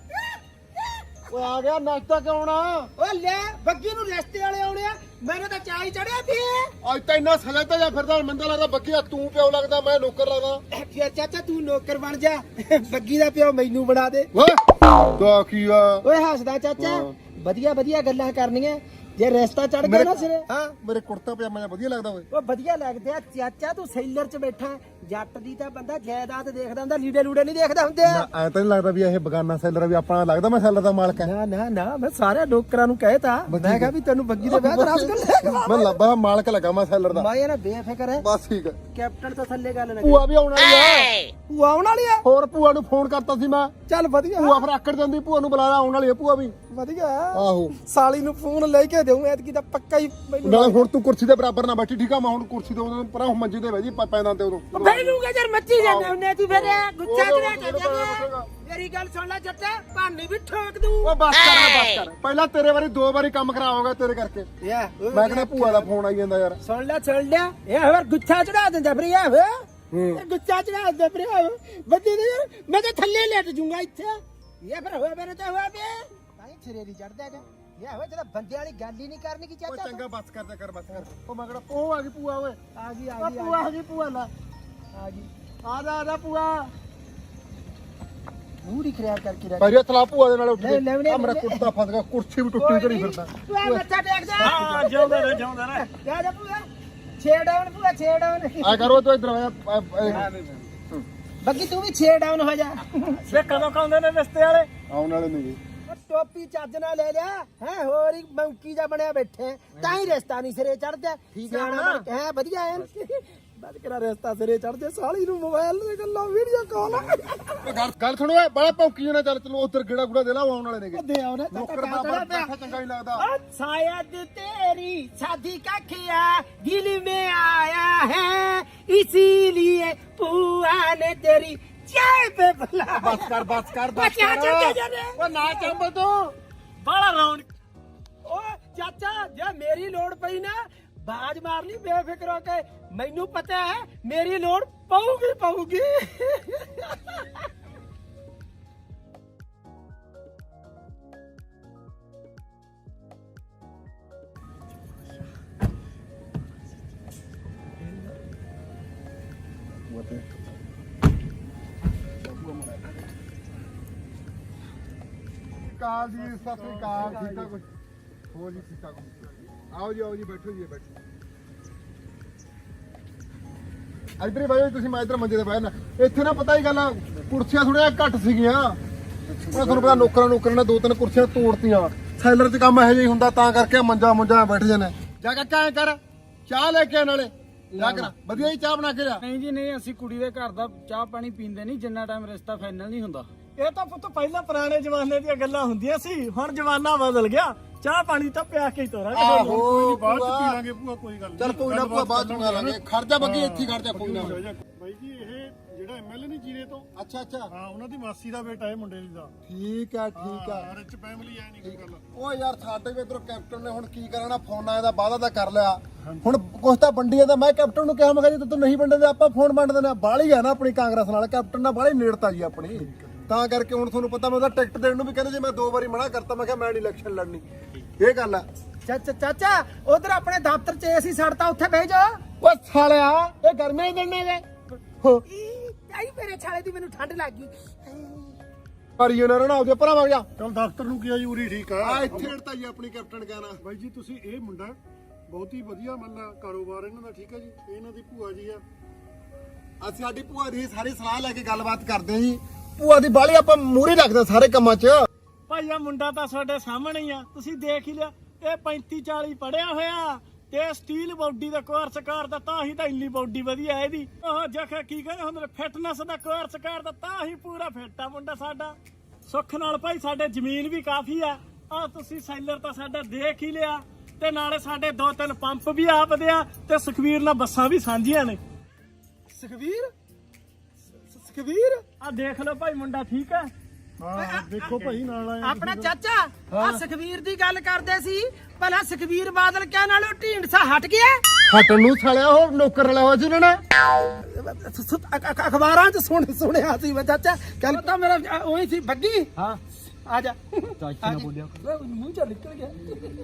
ਓਏ ਆ ਗਿਆ ਨਾਸ਼ਤਾ ਕਿਉਂ ਨਾ? ਓ ਲੈ ਬੱਗੀ ਨੂੰ ਰਿਸ਼ਤੇ ਵਾਲੇ ਆਉਣੇ ਆ। ਮੈਨੂੰ ਤਾਂ ਚਾਹ ਹੀ ਚੜਿਆ ਪਈ। ਅੱਜ ਤਾਂ ਇੰਨਾ ਸਜ਼ਾ ਤਾਂ ਜਾਂ ਫਿਰਦਾ ਮੈਨੂੰ ਲੱਗਦਾ ਬੱਗੀਆ ਤੂੰ ਪਿਓ ਲੱਗਦਾ ਮੈਂ ਨੌਕਰ ਲੱਗਦਾ। ਫਿਰ ਚਾਚਾ ਤੂੰ ਨੌਕਰ ਬਣ ਜਾ। ਬੱਗੀ ਦਾ ਪਿਓ ਮੈਨੂੰ ਬਣਾ ਦੇ। ਓਏ ਤਾਂ ਕੀ ਆ? ਓਏ ਹੱਸਦਾ ਚਾਚਾ। ਵਧੀਆ ਵਧੀਆ ਗੱਲਾਂ ਕਰਨੀਆਂ। ਜੇ ਰਿਸ਼ਤਾ ਚੜ ਗਿਆ ਨਾ ਸਿਰੇ। ਹਾਂ ਮੇਰੇ ਕੁੜਤਾ ਪਜਾਮਾ ਜਿਹਾ ਵਧੀਆ ਲੱਗਦਾ ਓਏ। ਉਹ ਵਧੀਆ ਲੱਗਦੇ ਆ ਚਾਚਾ। ਤੂੰ ਸੈਲਰ 'ਚ ਬੈਠਾ। ਜੱਟ ਦੀ ਤਾਂ ਬੰਦਾ ਜਾਇਦਾਦ ਦੇਖਦਾ ਹੁੰਦਾ, ਲੀੜੇ ਲੂੜੇ ਨਹੀਂ ਦੇਖਦਾ ਹੁੰਦੇ। ਐ ਤਾਂ ਨਹੀਂ ਲੱਗਦਾ ਵੀ ਇਹ ਬਗਾਨਾ ਸੈਲਰ ਵੀ ਆਪਣਾ ਲੱਗਦਾ ਮੈਂ ਸੈਲਰ ਦਾ ਮਾਲਕ ਹਾਂ। ਨਾ ਨਾ ਨਾ ਮੈਂ ਸਾਰੇ ਨੌਕਰਾਂ ਨੂੰ ਕਹਿਤਾ। ਮੈਂ ਕਿਹਾ ਵੀ ਤੈਨੂੰ ਬੱਗੀ ਦੇ ਵਿਆਹ ਕਰਾ ਕੇ ਮੈਂ ਲੱਭਾ ਮਾਲਕ ਲੱਗਾ ਮੈਂ ਸੈਲਰ ਦਾ। ਮੈਂ ਇਹ ਨਾ ਬੇਫਿਕਰ ਹੈ। ਬਸ ਠੀਕ ਹੈ। ਕੈਪਟਨ ਤੋਂ ਥੱਲੇ ਗੱਲ ਨਾ ਭੂਆ ਵੀ ਆਉਣ ਵਾਲੀ ਆ। ਤੂੰ ਆਉਣ ਵਾਲੀ ਆ। ਹੋਰ ਭੂਆ ਨੂੰ ਫੋਨ ਕਰਤਾ ਸੀ ਮੈਂ। ਚੱਲ ਵਧੀਆ ਭੂਆ ਫਿਰ ਆਕੜ ਜਾਂਦੀ। ਭੂਆ ਨੂੰ ਬੁਲਾਇਆ ਆਉਣ ਵਾਲੀ ਆ ਭੂਆ ਵੀ। ਵਧੀਆ। ਆਹੋ ਸਾਲੀ ਨੂੰ ਫੋਨ ਲੈ ਕੇ ਦੇਉਂ ਐਤਕੀ ਤਾਂ ਪੱਕਾ ਹੀ ਮੈਨੂੰ। ਨਾਲੇ ਹੁਣ ਤੂੰ ਕੁਰਸੀ ਦੇ ਬਰਾਬਰ ਨਾ ਬੈਠੀ ਠੀਕ ਆ। ਮੈਂ ਹੁਣ ਕੁਰਸੀ ਤੋਂ ਉਦੋਂ ਪਰਾਂ ਮੰਜੇ ਤੇ ਬਹਿ ਜੀ ਪੈਂਦਾ ਤੇ ਉਦੋਂ ਬਹਿ ਲੂਗਾ ਯਾਰ। ਮੱਚੀ ਜਾਂਦੇ ਹੁੰਨੇ ਤੂੰ ਫਿਰ ਗੁੱਛਾ ਚੜਾ ਚੱਲਿਆ। ਮੇਰੀ ਗੱਲ ਸੁਣ ਲੈ ਜੱਟਾ, ਭਾਨੀ ਵੀ ਠੋਕ ਦੂੰ। ਉਹ ਬਸ ਕਰ ਬਸ ਕਰ। ਪਹਿਲਾਂ ਤੇਰੇ ਵਾਰੀ ਦੋ ਵਾਰੀ ਕੰਮ ਖਰਾਬ ਤੇਰੇ ਕਰਕੇ। ਯਾ ਮੈਂ ਕਹਿੰਦਾ ਭੂਆ ਦਾ ਫੋਨ ਆਈ ਜਾਂਦਾ ਯਾਰ। ਸੁਣ ਲੈ ਸੁਣ ਲਿਆ। ਇਹ ਹੋਰ ਗੁੱਛਾ ਚੜਾ ਦਿੰਦਾ ਫਿਰ ਇਹ ਵੇ। ਇਹ ਗੁੱਛਾ ਚੜਾ ਦਿੰਦਾ ਫਿਰ ਇਹ ਬੱਦੀ ਦੇ ਯਾਰ। ਮੈਂ ਤਾਂ ਥੱਲੇ ਲੇਟ ਜੂੰਗਾ ਇੱਥੇ। ਇਹ ਫਿਰ ਹੋਇਆ ਮੇਰੇ ਤੇ ਹੋਇਆ ਵੇ। ਭਾਈ ਸਿਰੇ ਨਹੀਂ ਚੜਦਾ ਹੈਗਾ। ਇਹ ਹੋਇਆ ਜਿਹੜਾ ਬੰਦੇ ਵਾਲੀ ਗੱਲ ਹੀ ਨਹੀਂ ਕਰਨੀ ਕੀ ਉਹ ਚਾਹਤਾ। ਚੰਗਾ ਬਸ ਕਰ ਜਾ ਕਰ ਬਸ ਕਰ। ਉਹ ਮੈਂ ਕਿਹੜਾ ਉਹ ਆ ਗਈ ਭੂਆ ਓਏ। ਆ ਗਈ ਆ ਆ ਗਈ ਭੂਆ ਆ ਗਈ ਭੂਆ ਲਾ। ਆ ਗਈ। ਆ ਜਾ ਆ ਜਾ ਭੂਆ। ਮੂੰਹ ਦੀ ਖਰਿਆ ਕਰਕੇ ਰੱਖ। ਪਹਿਲੇ ਤਲਾ ਭੂਆ ਦੇ ਨਾਲ ਉੱਠ ਲੈ, ਲੈ, ਲੈ, ਆ ਮੇਰਾ ਲੈ। ਕੁੜਤਾ ਫਸ ਗਿਆ। ਕੁਰਸੀ ਵੀ ਟੁੱਟੀ ਘੜੀ ਫਿਰਦਾ। ਤੂੰ ਆ ਮੱਥਾ ਟੇਕ ਜਾ। ਹਾਂ ਜਿਉਂਦਾ ਰਹਿ ਜਿਉਂਦਾ ਰਹਿ। ਜਾ ਜਾ ਪੂਆ। ਛੇ ਡਾਊਨ ਪੂਆ ਛੇ ਡਾਊਨ। ਆ ਕਰੋ ਤੂੰ ਇਧਰ ਆ। ਬੱਗੀ ਤੂੰ ਵੀ ਛੇ ਡਾਊਨ ਹੋ ਜਾ। ਵੇ ਕਦੋਂ ਕਾਉਂਦੇ ਨੇ ਰਿਸ਼ਤੇ ਵਾਲੇ? ਆਉਣ ਵਾਲੇ ਨੇ ਜੀ। ਉਹ ਟੋਪੀ ਚੱਜ ਨਾਲ ਲੈ ਲਿਆ ਹੈ। ਹੋਰ ਹੀ ਮੰਕੀ ਜਾ ਬਣਿਆ ਬੈਠੇ ਤਾਂ ਹੀ ਰਿਸ਼ਤਾ ਨਹੀਂ ਸਿਰੇ ਚੜਦਾ। ਠੀਕ ਆ ਨਾ? ਹੈ ਵਧੀਆ ਐ। ਅੱਜ ਕਿਹੜਾ ਰਿਸ਼ਤਾ ਸਿਰੇ ਚੜ ਜੇ ਸਾਲੀ ਨੂੰ ਮੋਬਾਈਲ ਤੇ ਗੱਲਾਂ ਵੀਡੀਓ ਕਾਲ ਗੱਲ ਗੱਲ ਸੁਣੋ ਏ ਬੜਾ ਭੌਂਕੀ ਨਾ ਚੱਲ ਚਲੋ ਉਧਰ ਗੇੜਾ ਗੁੜਾ ਦੇ ਲਾ ਆਉਣ ਵਾਲੇ ਨੇਗੇ ਦੇ ਆਉਣਾ ਨੌਕਰ ਬਾਬਾ ਬੈਠਾ ਚੰਗਾ ਨਹੀਂ ਲੱਗਦਾ शायद तेरी शादी का खिया दिल में आया है इसीलिए पुआ ने तेरी चाय पे बुलाया ਬਸ ਕਰ ਬਸ ਕਰ ਬਸ ਬੱਚਾ ਕਰ ਚੱਲ ਜਾ ਰੇ। ਓ ਨਾ ਚੰਬ ਤੂੰ ਬੜਾ ਰੌਣਕ ਓ ਚਾਚਾ ਜੇ ਮੇਰੀ ਲੋੜ ਪਈ ਨਾ ਬਾਜ ਮਾਰ ਲਈ ਬੇਫਿਕਰ ਹੋ ਕੇ ਮੈਨੂੰ ਪਤਾ ਹੈ ਮੇਰੀ ਲੋੜ ਪਊਗੀ ਪਊਗੀ ਕਾਲ ਜੀ ਸਤਿ ਸ੍ਰੀ ਅਕਾਲ ਠੀਕ ਆ ਕੁਝ ਹੋ ਜੀ ਠੀਕ ਆ ਕੁਝ ਆਓ ਜੀ ਆਓ ਜੀ ਬੈਠੋ ਜੀ ਬੈਠੋ ਇੱਧਰ ਹੀ ਬਾਈ ਤੁਸੀਂ ਮੈਂ ਇੱਧਰ ਮੰਜੇ ਤੇ ਬਹਿ ਨਾ ਇੱਥੇ ਨਾ ਪਤਾ ਹੀ ਗੱਲ ਆ ਕੁਰਸੀਆਂ ਥੋੜੀਆਂ ਘੱਟ ਸੀਗੀਆਂ ਉਹ ਤੁਹਾਨੂੰ ਪਤਾ ਨੌਕਰਾਂ ਨੌਕਰਾਂ ਨੇ ਦੋ ਤਿੰਨ ਕੁਰਸੀਆਂ ਤੋੜਤੀਆਂ ਸੈਲਰ 'ਚ ਕੰਮ ਇਹੋ ਜਿਹਾ ਹੀ ਹੁੰਦਾ ਤਾਂ ਕਰਕੇ ਮੰਜਾ ਮੁੰਜਾ ਬੈਠ ਜਾਣੇ ਜਾ ਕੇ ਐਂ ਕਰ ਚਾਹ ਲੈ ਕੇ ਆ ਨਾਲੇ ਜਾ ਕਰ ਵਧੀਆ ਹੀ ਚਾਹ ਬਣਾ ਕੇ ਲਿਆ ਨਹੀਂ ਜੀ ਨਹੀਂ ਅਸੀਂ ਕੁੜੀ ਦੇ ਘਰ ਦਾ ਚਾਹ ਪਾਣੀ ਪੀਂਦੇ ਨਹੀਂ ਜਿੰਨਾ ਟਾਈਮ ਰਿਸ਼ਤਾ ਫਾਈਨਲ ਨਹੀਂ ਹੁੰਦਾ ਇਹ ਤਾਂ ਪੁੱਤ ਪਹਿਲਾਂ ਪੁਰਾਣੇ ਜ਼ਮਾਨੇ ਦੀਆਂ ਗੱਲਾਂ ਹੁੰਦੀਆਂ ਸੀ ਹੁਣ ਜ਼ਮਾਨਾ ਬਦਲ ਗਿਆ ਚਾਹ ਪਾਣੀ ਤਾਂ ਪਿਆ ਕੇ ਹੀ ਤੋਰਾਂਗੇ ਆਹੋ ਬਾਅਦ ਚ ਪੀ ਲਾਂਗੇ ਭੂਆ ਕੋਈ ਗੱਲ ਨੀ। ਚੱਲ ਕੋਈ ਨਾ ਭੂਆ ਬਾਅਦ ਚ ਬਣਾ ਲਾਂਗੇ ਖਰਚਾ ਬੱਗੀ ਇੱਥੇ ਹੀ ਖਰਚਾ ਕੋਈ ਨਾ ਬਾਈ ਜੀ ਇਹ ਜਿਹੜਾ ਐਮਐਲਏ ਨਹੀਂ ਜੀਰੇ ਤੋਂ ਅੱਛਾ ਅੱਛਾ ਹਾਂ ਉਹਨਾਂ ਦੀ ਮਾਸੀ ਦਾ ਬੇਟਾ ਹੈ ਮੁੰਡੇ ਦਾ ਠੀਕ ਆ ਠੀਕ ਆ ਰਿਚ ਫੈਮਿਲੀ ਐ ਨਹੀਂ ਕੋਈ ਗੱਲ ਉਹ ਯਾਰ ਸਾਡੇ ਵੀ ਇਧਰੋਂ ਕੈਪਟਨ ਨੇ ਹੁਣ ਕੀ ਕਰਨਾ ਫੋਨਾਂ ਇਹਦਾ ਵਾਅਦਾ ਤਾਂ ਕਰ ਲਿਆ ਹੁਣ ਕੁਛ ਤਾਂ ਵੰਡੀਆਂ ਦਾ ਮੈਂ ਕੈਪਟਨ ਨੂੰ ਕਿਹਾ ਮੈਂ ਕਿਹਾ ਜੇ ਤੂੰ ਨਹੀਂ ਵੰਡਦੇ ਆਪਾਂ ਫੋਨ ਵੰਡ ਦਿੰਦੇ ਆ ਬਾਹਲੀ ਆ ਨਾ ਆਪਣੀ ਕਾਂਗਰਸ ਨਾਲ ਕੈਪਟਨ ਨਾਲ ਬਾਹਲੀ ਨੇੜਤਾ ਜੀ ਆਪਣੀ ਤਾਂ ਕਰਕੇ ਹੁਣ ਤੁਹਾਨੂੰ ਪਤਾ ਮੈਂ ਉਹਦਾ ਟਿਕਟ ਦੇਣ ਨੂੰ ਵੀ ਕਹਿੰਦੇ ਜੇ ਮੈਂ ਦੋ ਵਾਰੀ ਮਨਾ ਕਰਤਾ ਮੈਂ ਕਿਹਾ ਮੈਂ ਨਹੀਂ ਇਲੈਕਸ਼ਨ ਲੜਨੀ ਇਹ ਗੱਲ ਆ ਚਾਚਾ ਚਾਚਾ ਉਧਰ ਆਪਣੇ ਦਫ਼ਤਰ 'ਚ ਏਸੀ ਸੜਤਾ ਉੱਥੇ ਬਹਿ ਜਾ ਓ ਸਾਲਿਆ ਇਹ ਗਰਮੇ ਹੀ ਦਿੰਨੇ ਨੇ ਆਈ ਮੇਰੇ ਛਾਲੇ ਦੀ ਮੈਨੂੰ ਠੰਡ ਲੱਗ ਗਈ ਪਰ ਇਹ ਨਾ ਰਣਾ ਉਹਦੇ ਭਰਾ ਵਗ ਜਾ ਚਲ ਦਫ਼ਤਰ ਨੂੰ ਕੀ ਆ ਜੀ ਉਰੀ ਠੀਕ ਆ ਆ ਇੱਥੇ ਨੇੜਤਾ ਜੀ ਆਪਣੀ ਕੈਪਟਨ ਕਹਿਣਾ ਬਾਈ ਜੀ ਤੁਸੀਂ ਇਹ ਮੁੰਡਾ ਬਹੁਤ ਹੀ ਵਧੀਆ ਮੰਨ ਕਾਰੋਬਾਰ ਇਹਨਾਂ ਦਾ ਠੀਕ ਹੈ ਜੀ ਇਹ ਇਹਨਾਂ ਦੀ ਭੂਆ ਜੀ ਆ ਅਸੀਂ ਸਾਡੀ ਭੂਆ ਦੀ ਸਾਰੀ ਸਲਾਹ ਲੈ ਕੇ ਗੱਲਬਾਤ ਕਰਦੇ ਆ ਜੀ ਭੂਆ ਦੀ ਬਾਲੀ ਆਪਾਂ ਮੂਹਰੇ ਰੱਖਦੇ ਸਾਰੇ ਕੰਮਾਂ 'ਚ ਭਾਈ ਆ ਮੁੰਡਾ ਤਾਂ ਤੁਹਾਡੇ ਸਾਹਮਣੇ ਹੀ ਆ ਤੁਸੀਂ ਦੇਖ ਹੀ ਲਿਆ ਇਹ ਪੈਂਤੀ ਚਾਲੀ ਪੜਿਆ ਹੋਇਆ ਤੇ ਸਟੀਲ ਬਾਡੀ ਦਾ ਕੋਰਸ ਕਰਦਾ ਤਾਂ ਹੀ ਤਾਂ ਇੰਨੀ ਬਾਡੀ ਵਧੀਆ ਇਹਦੀ ਉਹ ਜਖੇ ਕੀ ਕਹਿੰਦੇ ਹੁੰਦੇ ਫਿਟਨੈਸ ਦਾ ਕੋਰਸ ਕਰਦਾ ਤਾਂ ਹੀ ਪੂਰਾ ਫਿੱਟ ਆ ਮੁੰਡਾ ਸਾਡਾ ਸੁੱਖ ਨਾਲ ਭਾਈ ਸਾਡੇ ਜ਼ਮੀਨ ਵੀ ਕਾਫੀ ਆ ਆ ਤੁਸੀਂ ਸੈਲਰ ਤਾਂ ਸਾਡਾ ਦੇਖ ਹੀ ਲਿਆ ਤੇ ਨਾਲੇ ਸਾਡੇ ਦੋ ਤਿੰਨ ਪੰਪ ਵੀ ਆਪ ਦੇ ਆ ਤੇ ਸੁਖਵੀਰ ਨਾਲ ਬੱਸਾਂ ਵੀ ਸਾਂਝੀਆਂ ਨੇ ਸੁਖਵੀਰ ਸੁਖਵੀਰ ਆ ਦੇਖ ਲਓ ਭਾਈ ਮੁੰਡਾ ਠੀਕ ਹੈ ਹਾਂ ਦੇਖੋ ਭਾਈ ਨਾਲ ਆਏ ਆਪਣਾ ਚਾਚਾ ਆ ਸੁਖਵੀਰ ਦੀ ਗੱਲ ਕਰਦੇ ਸੀ ਭਲਾ ਸੁਖਵੀਰ ਬਾਦਲ ਕਹਿਣ ਨਾਲੋਂ ਢੀਂਡਸਾ ਹਟ ਗਿਆ ਹਟਣ ਨੂੰ ਸਾਲਿਆ ਉਹ ਨੌਕਰ ਰਲਿਆ ਹੋਇਆ ਸੀ ਉਹਨਾਂ ਨੇ ਅਖਬਾਰਾਂ 'ਚ ਸੁਣ ਸੁਣਿਆ ਸੀ ਮੈਂ ਚਾਚਾ ਕੱਲ ਤਾਂ ਮੇਰਾ ਉਹੀ ਸੀ ਬੱਗੀ ਹਾਂ ਆ ਜਾ ਚਾਚਾ ਨਾ ਬੋਲਿਆ ਮੂੰਹ ਚੋਂ ਨਿਕਲ ਗਿਆ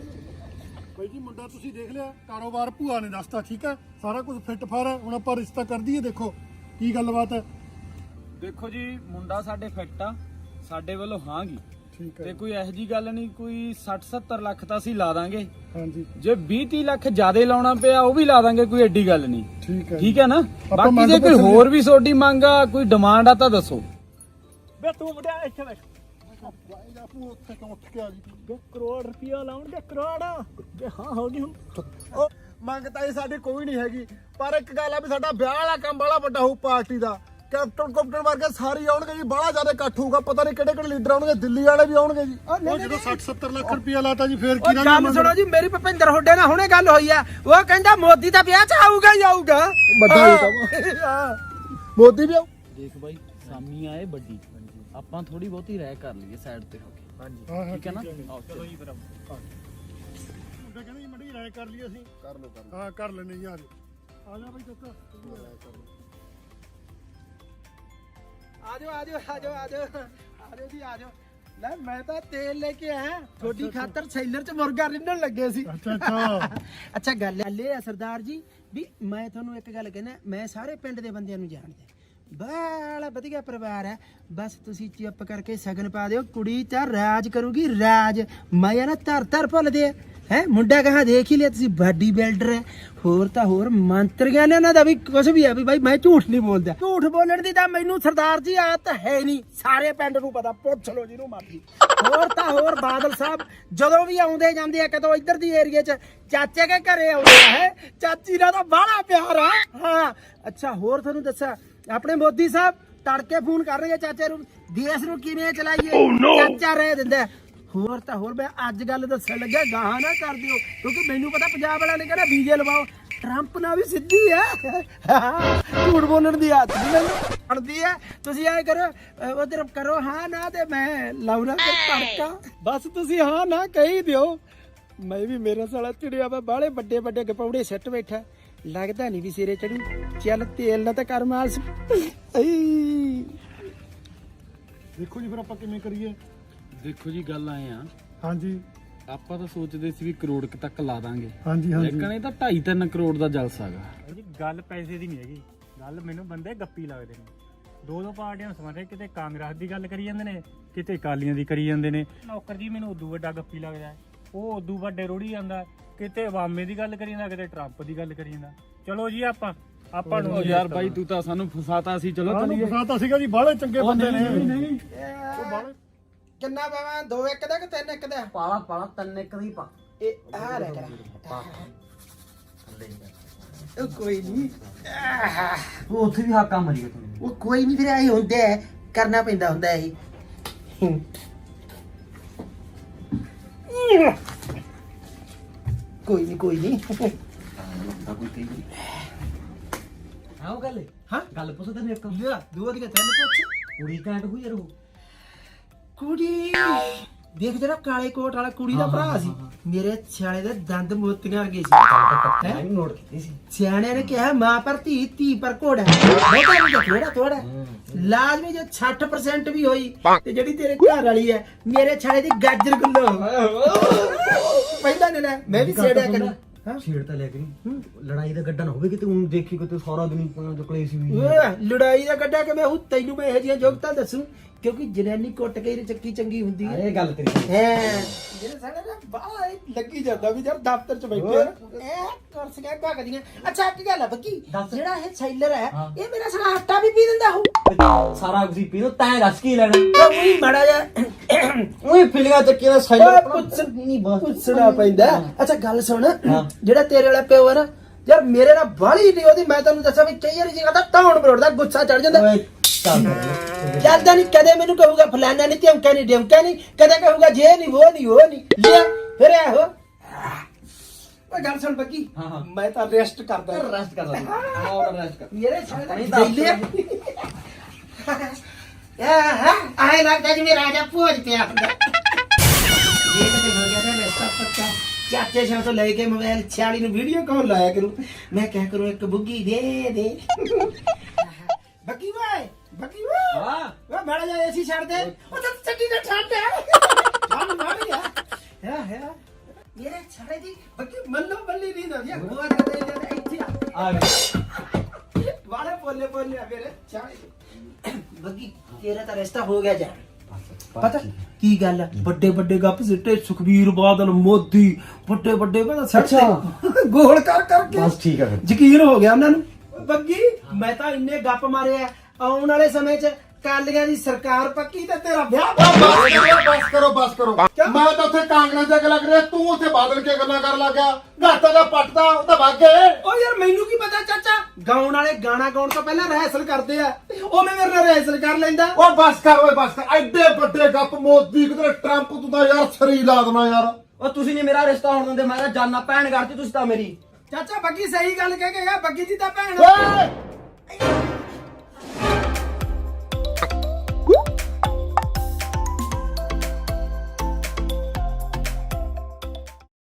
ਬਾਈ ਜੀ ਮੁੰਡਾ ਤੁਸੀਂ ਦੇਖ ਲਿਆ ਕਾਰੋਬਾਰ ਭੂਆ ਨੇ ਦੱਸਤਾ ਠੀਕ ਹੈ ਸਾਰਾ ਕੁਝ ਫਿੱਟ ਫਾਰ ਹੈ ਹੁਣ ਆਪਾਂ ਰਿਸ਼ਤਾ ਕਰ ਦਈਏ ਦੇਖੋ ਕੀ ਗੱਲਬਾਤ ਹੈ ਦੇਖੋ ਜੀ ਮੁੰਡਾ ਸਾਡੇ ਫਿੱਟ ਆ ਸਾਡੇ ਵੱਲੋਂ ਹਾਂਗੀ ਠੀਕ ਤੇ ਕੋਈ ਇਹੋ ਜੀ ਗੱਲ ਨਹੀਂ ਕੋਈ ਸੱਠ ਸੱਤਰ ਲੱਖ ਤਾਂ ਅਸੀਂ ਲਾ ਦਾਂਗੇ ਹਾਂਜੀ ਜੇ ਵੀਹ ਤੀਹ ਲੱਖ ਜ਼ਿਆਦਾ ਲਾਉਣਾ ਪਿਆ ਉਹ ਵੀ ਲਾ ਦਾਂਗੇ ਕੋਈ ਐਡੀ ਗੱਲ ਨਹੀਂ ਠੀਕ ਹੈ ਠੀਕ ਹੈ ਨਾ ਆਪਾਂ ਬਾਕੀ ਮੰਗ ਜੇ ਕੋਈ ਪੁੱਛ ਹੋਰ ਵੀ ਤੁਹਾਡੀ ਮੰਗ ਆ ਕੋਈ ਡਿਮਾਂਡ ਆ ਤਾਂ ਦੱਸੋ ਬੇ ਤੂੰ ਮੁੰਡਿਆ ਇੱਥੇ ਬੈਠ ਬਾਈ ਆਪੂ ਉੱਥੇ ਕਿਉਂ ਉੱਠ ਕੇ ਆ ਗਈ ਬੇ ਕਰੋੜ ਰੁਪਇਆ ਲਾਉਣਗੇ ਕਰੋੜ ਬੇ ਹਾਂ ਹੋ ਗਈ ਹੁਣ ਉਹ ਮੰਗ ਤਾਂ ਇਹ ਸਾਡੀ ਕੋਈ ਨਹੀਂ ਹੈਗੀ ਪਰ ਇੱਕ ਗੱਲ ਆ ਵੀ ਸਾਡਾ ਵਿਆਹ ਵਾਲਾ ਕੰਮ ਬੜਾ ਵੱਡਾ ਹੋਊ ਪਾਰਟੀ ਦਾ ਕੈਪਟਨ ਕੈਪਟਨ ਵਰਗੇ ਸਾਰੇ ਆਉਣਗੇ ਜੀ ਬੜਾ ਜ਼ਿਆਦਾ ਇਕੱਠ ਹੋਊਗਾ ਪਤਾ ਨਹੀਂ ਕਿਹੜੇ ਕਿਹੜੇ ਲੀਡਰ ਆਉਣਗੇ ਦਿੱਲੀ ਵਾਲੇ ਵੀ ਆਉਣਗੇ ਜੀ ਉਹ ਜਦੋਂ ਸੱਠ ਸੱਤਰ ਲੱਖ ਰੁਪਇਆ ਲਾਤਾ ਜੀ ਫੇਰ ਕੀ ਉਹ ਗੱਲ ਸੁਣੋ ਜੀ ਮੇਰੀ ਭਪਿੰਦਰ ਹੋਡੇ ਨਾਲ ਹੁਣੇ ਗੱਲ ਹੋਈ ਆ ਉਹ ਕਹਿੰਦਾ ਮੋਦੀ ਦਾ ਵਿਆਹ 'ਚ ਆਊਗਾ ਹੀ ਆਊਗਾ ਵੱਡਾ ਹੀ ਕੰਮ ਮੋਦੀ ਵੀ ਆਉ ਦੇਖ ਬਾਈ ਸਾਮੀ ਆਏ ਵੱਡੀ ਆਪਾਂ ਥੋੜੀ ਬਹੁਤੀ ਰਹਿ ਕਰ ਲਈਏ ਸਾਈਡ ਤੇ ਹੋ ਕੇ ਹਾਂ ਠੀਕ ਹੈ ਨਾ ਚਲੋ ਜੀ ਫਿਰ ਮੁੰਡਾ ਕਹਿੰਦਾ ਜੀ ਮੜੀ ਰਾਇ ਕਰ ਲਈ ਅਸੀਂ ਕਰ ਲੋ ਕਰ ਹਾਂ ਕਰ ਲੈਣੇ ਜੀ ਆ ਜਾ ਆ ਜਾ ਬਾਈ ਚਾਚਾ ਆਜੋ ਆਜੋ ਆਜੋ ਆਜੋ ਆਜੋ ਜੀ ਆਜੋ ਲੈ ਮੈਂ ਤਾਂ ਤੇਲ ਲੈ ਕੇ ਆਇਆ ਤੁਹਾਡੀ ਖਾਤਰ ਸੈਲਰ 'ਚ ਮੁਰਗਾ ਰਿੰਨਣ ਲੱਗੇ ਸੀ ਅੱਛਾ ਅੱਛਾ ਅੱਛਾ ਗੱਲ ਇਹ ਆ ਸਰਦਾਰ ਜੀ ਵੀ ਮੈਂ ਤੁਹਾਨੂੰ ਇੱਕ ਗੱਲ ਕਹਿਣਾ ਮੈਂ ਸਾਰੇ ਪਿੰਡ ਦੇ ਬੰਦਿਆਂ ਨੂੰ ਜਾਣਦਾ ਬੜਾ ਵਧੀਆ ਪਰਿਵਾਰ ਹੈ ਬਸ ਤੁਸੀਂ ਚੁੱਪ ਕਰਕੇ ਸਗਨ ਪਾ ਦਿਓ ਕੁੜੀ ਤਾਂ ਰਾਜ ਕਰੂਗੀ ਰਾਜ ਮੈਂ ਨਾ ਧਰ ਧਰ ਭੁੱਲਦੇ ਹੈ ਮੁੰਡਾ ਕਹਾ ਦੇਖ ਹੀ ਲਿਆ ਤੁਸੀਂ ਬਾਡੀ ਬਿਲਡਰ ਹੈ ਹੋਰ ਤਾਂ ਹੋਰ ਮੰਤਰੀਆਂ ਨੇ ਉਹਨਾਂ ਦਾ ਵੀ ਕੁਝ ਵੀ ਹੈ ਵੀ ਬਾਈ ਮੈਂ ਝੂਠ ਨਹੀਂ ਬੋਲਦਾ ਝੂਠ ਬੋਲਣ ਦੀ ਤਾਂ ਮੈਨੂੰ ਸਰਦਾਰ ਜੀ ਆਦਤ ਹੈ ਨਹੀਂ ਸਾਰੇ ਪਿੰਡ ਨੂੰ ਪਤਾ ਪੁੱਛ ਲਓ ਜਿਹਨੂੰ ਮਰਜ਼ੀ ਹੋਰ ਤਾਂ ਹੋਰ ਬਾਦਲ ਸਾਹਿਬ ਜਦੋਂ ਵੀ ਆਉਂਦੇ ਜਾਂਦੇ ਆ ਕਦੋਂ ਇੱਧਰ ਦੀ ਏਰੀਏ 'ਚ ਚਾਚੇ ਕੇ ਘਰੇ ਆਉਂਦੇ ਆ ਹੈ ਚਾਚੀ ਦਾ ਤਾਂ ਬਾਹਲਾ ਪਿਆਰ ਆ ਹਾਂ ਅੱਛਾ ਹੋਰ ਤੁਹਾਨੂੰ ਦੱਸਾਂ ਆਪਣੇ ਮੋਦੀ ਸਾਹਿਬ ਤੜਕੇ ਫੋਨ ਕਰ ਰਹੇ ਆ ਚਾਚੇ ਨੂੰ ਦੇਸ਼ ਨੂੰ ਕਿਵੇਂ ਚਲਾਈਏ ਚਾਚਾ ਰਹਿ ਦਿੰਦਾ ਹੋਰ ਤਾਂ ਹੋਰ ਮੈਂ ਅੱਜ ਗੱਲ ਦੱਸਣ ਲੱਗਿਆ ਗਾਹਾਂ ਨਾ ਕਰ ਦਿਓ ਕਿਉਂਕਿ ਮੈਨੂੰ ਪਤਾ ਪੰਜਾਬ ਵਾਲਿਆਂ ਨੇ ਕਹਿੰਦਾ ਬੀਜੇ ਲਵਾਓ ਟਰੰਪ ਨਾਲ ਵੀ ਸਿੱਧੀ ਹੈ ਝੂਠ ਬੋਲਣ ਦੀ ਆਦਤ ਨਹੀਂ ਮੈਨੂੰ ਬਣਦੀ ਹੈ ਤੁਸੀਂ ਐ ਕਰੋ ਉਧਰ ਕਰੋ ਹਾਂ ਨਾ ਤੇ ਮੈਂ ਲਾਉਣਾ ਤੇ ਤੜਕਾ ਬਸ ਤੁਸੀਂ ਹਾਂ ਨਾ ਕਹੀ ਦਿਓ ਮੈਂ ਵੀ ਮੇਰਾ ਸਾਲਾ ਚਿੜਿਆ ਵਾ ਬਾਹਲੇ ਵੱਡੇ ਵੱਡੇ ਗਪੌੜੇ ਸਿੱਟ ਬੈਠਾ ਲੱਗਦਾ ਨਹੀਂ ਵੀ ਸਿਰੇ ਚੜੂ ਚੱਲ ਤੇਲ ਨਾ ਤਾਂ ਕਰ ਮਾਲਸ ਦੇਖੋ ਜੀ ਫਿਰ ਆਪਾਂ ਕਿਵੇਂ ਕਰੀਏ। ਦੇਖੋ ਜੀ ਗੱਲ ਆਏ ਆ ਹਾਂਜੀ ਆਪਾਂ ਤਾਂ ਸੋਚਦੇ ਸੀ ਵੀ ਕਰੋੜ ਕੁ ਤੱਕ ਲਾ ਦਾਂਗੇ ਹਾਂਜੀ ਹਾਂਜੀ ਲੇਕਿਨ ਇਹ ਤਾਂ ਢਾਈ ਤਿੰਨ ਕਰੋੜ ਦਾ ਜਲਸਾ ਹੈਗਾ ਜੀ ਗੱਲ ਪੈਸੇ ਦੀ ਨਹੀਂ ਹੈਗੀ ਗੱਲ ਮੈਨੂੰ ਬੰਦੇ ਗੱਪੀ ਲੱਗਦੇ ਨੇ ਦੋ ਦੋ ਪਾਰਟੀਆਂ ਸਮਝਦੇ ਕਿਤੇ ਕਾਂਗਰਸ ਦੀ ਗੱਲ ਕਰੀ ਜਾਂਦੇ ਨੇ ਕਿਤੇ ਅਕਾਲੀਆਂ ਦੀ ਕਰੀ ਜਾਂਦੇ ਨੇ ਨੌਕਰ ਜੀ ਮੈਨੂੰ ਉਦੋਂ ਵੱਡਾ ਗੱਪੀ ਲੱਗਦਾ ਹੈ ਉਹ ਉਦੋਂ ਵੱਡੇ ਰੋੜੀ ਜਾਂਦਾ ਕਿਤੇ ਵਾਮੇ ਦੀ ਗੱਲ ਕਰੀ ਜਾਂਦਾ ਕਿਤੇ ਟਰੰਪ ਦੀ ਗੱਲ ਕਰੀ ਜਾਂਦਾ ਚਲੋ ਜੀ ਆਪਾਂ ਆਪਾਂ ਨੂੰ ਯਾਰ ਬਾਈ ਤੂੰ ਤਾਂ ਸਾਨੂੰ ਫਸਾਤਾ ਸੀ ਚਲੋ ਤੁਹਾਨੂੰ ਚਲੀਏ ਫਸਾਤਾ ਸੀਗਾ ਜੀ ਬਾਹਲੇ ਚੰਗੇ ਬੰਦੇ ਨੇ ਨਹੀਂ ਕਿੰਨਾ ਪਾਵਾਂ ਦੋ ਇੱਕ ਦਾ ਕਿ ਤਿੰਨ ਇੱਕ ਦਾ ਪਾਲਾ ਪਾਲਾ ਤਿੰਨ ਇੱਕ ਦੀ ਪਾ ਇਹ ਆ ਲੈ ਕਰਾਂ ਉਹ ਕੋਈ ਨਹੀਂ ਉਹ ਉੱਥੇ ਵੀ ਹਾਕਾ ਮਰੀ ਗਿਆ ਤੂੰ ਉਹ ਕੋਈ ਨਹੀਂ ਫਿਰ ਆਈ ਹੁੰਦਾ ਹੈ, ਕਰਨਾ ਪੈਂਦਾ ਹੁੰਦਾ ਇਹ ਕੋਈ ਨਹੀਂ ਕੋਈ ਨਹੀਂ ਹਾਂ ਉਹ ਗੱਲ ਹਾਂ ਗੱਲ ਪੁੱਛ ਤੈਨੂੰ ਇੱਕ ਲਿਆ ਦੋ ਦੀਆਂ ਤਿੰਨ ਪੁੱਛ ਕੁੜੀ ਘੈਂਟ ਹੋਈ ਯਾਰ ਉਹ ਕੁੜੀ ਦੇਖ ਜਿਹੜਾ ਕਾਲੇ ਕੋਟ ਵਾਲਾ ਕੁੜੀ ਦਾ ਭਰਾ ਸੀ ਮੇਰੇ ਸਿਆਣੇ ਦੇ ਦੰਦ ਮੋਤੀਆਂ ਵਰਗੇ ਸੀ ਮੈਂ ਵੀ ਨੋਟ ਕੀਤੀ ਸੀ ਸਿਆਣਿਆਂ ਨੇ ਕਿਹਾ ਮਾਂ ਪਰ ਧੀ ਧੀ ਪਰ ਘੋੜਾ ਬਹੁਤਾ ਨਹੀਂ ਥੋੜਾ ਥੋੜਾ ਲਾਜ਼ਮੀ ਜੇ ਸੱਠ ਪਰਸੈਂਟ ਵੀ ਹੋਈ ਤੇ ਜਿਹੜੀ ਤੇਰੇ ਘਰ ਵਾਲੀ ਹੈ ਮੇਰੇ ਛਾਲੇ ਦੀ ਗਾਜਰ ਗੁੱਲੋ ਪਹਿਲਾਂ ਨੇ ਲੈ ਮੈਂ ਵੀ ਛੇੜਿਆ ਕਰਾਂ ਹਾਂ ਛੇੜ ਤਾਂ ਲੈ ਕੇ ਨਹੀਂ ਲੜਾਈ ਦਾ ਗੱਡਾ ਨਾ ਹੋਵੇ ਕਿਤੇ ਉਹ ਦੇਖੀ ਕਿਤੇ ਸਾਰਾ ਦਿਨ ਜਕਲੇ ਸੀ ਵੀ ਓਏ ਲੜਾਈ ਦਾ ਗੱਡਾ ਕਿ ਮੈਂ ਉਹ ਤੈਨੂੰ ਮੈਂ ਇਹੋ ਜਿਹੀਆਂ ਜੋਗਤਾਂ ਦੱਸੂ ਕਿਉਂਕਿ ਜਨਾਨੀ ਕੁੱਟ ਕੇ ਚੱਕੀ ਚੰਗੀ ਹੁੰਦੀ ਹੈ ਇਹ ਗੱਲ ਤੇਰੀ ਹੈ ਜਿਹੜੇ ਸਾਡੇ ਨਾ ਬਾਹਰ ਲੱਗੀ ਜਾਂਦਾ ਵੀ ਯਾਰ ਦਫ਼ਤਰ ਚ ਬੈਠੇ ਐ ਕੁਰਸੀਆਂ ਭਗਦੀਆਂ ਅੱਛਾ ਇੱਕ ਗੱਲ ਆ ਬੱਕੀ ਜਿਹੜਾ ਇਹ ਸੈਲਰ ਹੈ ਇਹ ਮੇਰਾ ਸਾਲਾ ਆਟਾ ਵੀ ਪੀ ਦਿੰਦਾ ਹੋ ਸਾਰਾ ਕੁਝ ਪੀ ਦੋ ਤੈਂ ਰਸ ਕੀ ਲੈਣਾ ਉਹੀ ਮੜਾ ਜਾ ਉਹੀ ਫਿਲਿੰਗਾਂ ਚੱਕੀ ਦਾ ਓਏ ਪੁੱਛ ਨਹੀਂ ਪੁੱਛਣਾ ਪੈਂਦਾ ਅੱਛਾ ਗੱਲ ਸੁਣ ਜਿਹੜਾ ਤੇਰੇ ਵਾਲਾ ਪਿਓ ਹੈ ਨਾ ਯਾਰ ਮੇਰੇ ਨਾਲ ਬਾਹਲੀ ਨਹੀਂ ਉਹਦੀ ਮੈਂ ਤੈਨੂੰ ਦੱਸਾਂ ਵੀ ਕਈ ਵਾਰੀ ਜਿਹਾ ਤਾਂ ਟਾਉਣ ਬਰੋੜਦਾ ਗੁੱਸਾ ਚੜ ਜਾਂਦਾ ਜਾਂਦਾ ਨਹੀਂ ਕਦੇ ਮੈਨੂੰ ਕਹੂਗਾ ਫਲਾਨਾ ਨਹੀਂ ਧਮਕਾ ਨਹੀਂ ਡਮਕਾ ਨਹੀਂ ਕਦੇ ਕਹੂਗਾ ਜੇ ਨਹੀਂ ਉਹ ਨਹੀਂ ਉਹ ਨਹੀਂ ਲਿਆ ਫਿਰ ਇਹੋ ਓਏ ਗੱਲ ਸੁਣ ਬੱਕੀ ਮੈਂ ਤਾਂ ਰੈਸਟ ਕਰਦਾ ਰੈਸਟ ਕਰ ਲੈ ਆਹ ਰੈਸਟ ਕਰ ਮੇਰੇ ਸਾਲੇ ਦਾ ਦਿੱਲੇ ਆ ਹਾਂ ਆਏ ਲੱਗਦਾ ਜਿਵੇਂ ਰਾਜਾ ਭੋਜ ਪਿਆ ਹੁੰਦਾ ਇਹ ਤੇ ਹੋ ਗਿਆ ਨਾ ਰੈਸਟ ਪੱਕਾ ਚਾਚੇ ਸ਼ਾਮ ਤੋਂ ਲੈ ਕੇ ਮੋਬਾਈਲ ਛਿਆਲੀ ਨੂੰ ਵੀਡੀਓ ਕਾਲ ਲਾਇਆ ਕਰੂ ਮੈਂ ਕਹਿ ਕਰੂੰ ਇੱਕ ਬੁੱਗੀ ਦੇ ਦੇ ਬੱਕੀ ਵਾਏ ਬੱਕੀ ਵਾ ਹਾਂ ਵਾ ਬੜਾ ਜਾ ਏਸੀ ਛੱਡ ਦੇ ਉਹ ਤਾਂ ਚੱਡੀ ਦਾ ਠੰਡ ਹੈ ਠੰਡ ਮਾਰ ਗਿਆ ਹੈ ਹੈ ਮੇਰੇ ਛੜੇ ਦੀ ਬੱਕੀ ਮੱਲੋ ਬੱਲੀ ਨਹੀਂ ਨਾ ਗੋਆ ਕਰਦੇ ਜਾਂਦੇ ਇੱਥੇ ਆ ਗਿਆ ਵਾਲੇ ਬੋਲੇ ਬੋਲੇ ਮੇਰੇ ਛੜੇ ਬੱਕੀ ਤੇਰਾ ਤਾਂ ਰਿਸ਼ਤਾ ਹੋ ਗਿਆ ਜਾ ਪਤਾ ਕੀ ਗੱਲ ਹੈ ਵੱਡੇ ਵੱਡੇ ਗੱਪ ਸਿੱਟੇ ਸੁਖਬੀਰ ਬਾਦਲ ਮੋਦੀ ਵੱਡੇ ਵੱਡੇ ਕਹਿੰਦਾ ਸੱਚਾ ਗੋਲ ਕਰ ਕਰਕੇ ਬਸ ਠੀਕ ਹੈ ਯਕੀਨ ਹੋ ਗਿਆ ਉਹਨਾਂ ਨੂੰ ਬੱਗੀ ਮੈਂ ਤਾਂ ਇੰਨੇ ਗੱਪ ਮਾਰੇ ਆ ਆਉਣ ਵਾਲੇ ਸਮੇਂ 'ਚ ਕਾਲੀਆਂ ਦੀ ਸਰਕਾਰ ਪੱਕੀ ਤੇ ਤੇਰਾ ਵਿਆਹ ਬਸ ਕਰੋ ਬਸ ਕਰੋ ਮੈਂ ਤਾਂ ਉੱਥੇ ਕਾਂਗਰਸ ਦੇ ਗੱਲ ਕਰ ਰਿਹਾ ਤੂੰ ਉੱਥੇ ਬਾਦਲ ਕੇ ਗੱਲਾਂ ਕਰਨ ਲੱਗਾ ਘਾਟਾ ਦਾ ਪੱਟਦਾ ਉਹ ਤਾਂ ਵਗ ਗਏ ਓ ਯਾਰ ਮੈਨੂੰ ਕੀ ਪਤਾ ਚਾਚਾ ਗਾਉਣ ਵਾਲੇ ਗਾਣਾ ਗਾਉਣ ਤੋਂ ਪਹਿਲਾਂ ਰਿਹਰਸਲ ਕਰਦੇ ਆ ਉਹ ਮੈਂ ਮੇਰੇ ਨਾਲ ਰਿਹਰਸਲ ਕਰ ਲੈਂਦਾ ਓਏ ਬਸ ਕਰ ਓਏ ਬਸ ਕਰ ਐਡੇ ਵੱਡੇ ਗੱਪ ਮੋਦੀ ਕਿਧਰੇ ਟਰੰਪ ਤੂੰ ਤਾਂ ਯਾਰ ਸਰੀ ਲਾ ਦੇਣਾ ਯਾਰ ਉਹ ਤੁਸੀਂ ਨਹੀਂ ਮੇਰਾ ਰਿਸ਼ਤਾ ਹੋਣ ਦਿੰਦੇ ਮੈਂ ਤਾਂ ਜਾਨਾ ਭੈਣ ਕਰਤੀ ਤੁਸੀਂ ਤਾਂ ਮੇਰੀ ਚਾਚਾ ਬੱਗੀ ਸਹੀ ਗੱਲ ਕਹਿ ਕੇ ਗਿਆ ਬੱਗੀ ਦੀ ਤਾਂ ਭੈਣ ਓਏ